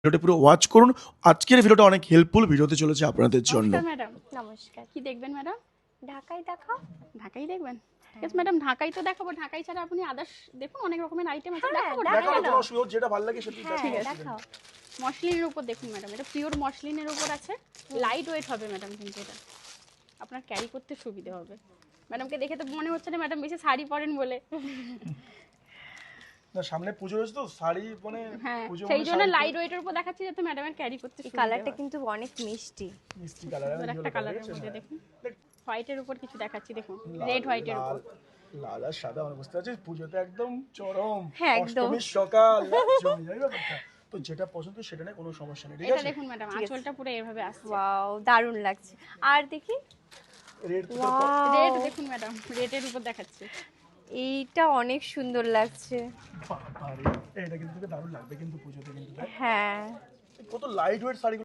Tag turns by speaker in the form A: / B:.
A: ভিডিওটা পুরো ওয়াচ করুন। আজকের ভিডিওটা অনেক হেল্পফুল ভিডিওতে চলেছে আপনাদের জন্য।
B: নমস্কার ম্যাডাম।
C: নমস্কার।
B: কি দেখবেন ম্যাডাম?
C: ঢাকাই দেখাও।
B: ঢাকাই দেখবেন? ঠিক আছে ম্যাডাম, ঢাকাই তো দেখাবো। ঢাকাই ছাড়া আপনি আদার্স দেখুন, অনেক রকমের আইটেম আছে।
C: হ্যাঁ,
B: দেখাবো
C: দেখাও
B: ঢাকাই
C: না।
B: দাও।
A: অসুবিধা যেটা ভালো লাগে সেটা
C: হ্যাঁ
B: ঠিক আছে।
C: দেখাও।
B: মসলিনের উপর দেখুন ম্যাডাম, এটা পিওর মসলিনের উপর আছে। লাইট ওয়েট হবে ম্যাডাম, কিন্তু এটা আপনার ক্যারি করতে সুবিধা হবে। ম্যাডামকে দেখে তো মনে হচ্ছে না ম্যাডাম বেশি শাড়ি পরেন বলে।
A: না, সামনে পুজো রয়েছে তো শাড়ি মানে
B: হ্যাঁ,
A: পুজো
B: সেই
A: মানে
B: জন্য
A: শাড়ি তো
B: লাইট ওয়েটের উপর দেখাচ্ছি যাতে ম্যাডামের ক্যারি করতে
C: এই
B: সুবিধা
C: কালারটা
B: হয়।
C: কিন্তু অনেক মিষ্টি।
A: মিষ্টি কালার
B: সুন্দর একটা কালারের মধ্যে দেখুন।
A: দেখ,
B: হোয়াইটের উপর কিছু দেখাচ্ছি দেখুন,
A: লাল-
B: রেড হোয়াইটের উপর।
A: লাল আর সাদা মানে বুঝতে পারছিস পুজোতে একদম চরম।
C: হ্যাঁ, একদম।
A: অষ্টমীর সকাল জমে যায় ব্যাপারটা। তো যেটা পছন্দ সেটা নেই, কোনো সমস্যা নেই, ঠিক
B: এটা
A: আছে?
B: দেখুন ম্যাডাম,
C: ঠিক আছে।
B: আঁচলটা পুরো এভাবে আসছে।
C: ওয়াও, দারুণ লাগছে। আর দেখি।
A: রেড
C: ওয়াও,
B: রেড দেখুন ম্যাডাম, রেডের উপর দেখাচ্ছি।
C: এইটা অনেক সুন্দর লাগছে।
A: বাবারে, এটা কিন্তু তোকে দারুণ লাগবে কিন্তু পুজোতে কিন্তু দেখ।
C: হ্যাঁ।
A: কত লাইট ওয়েট শাড়ি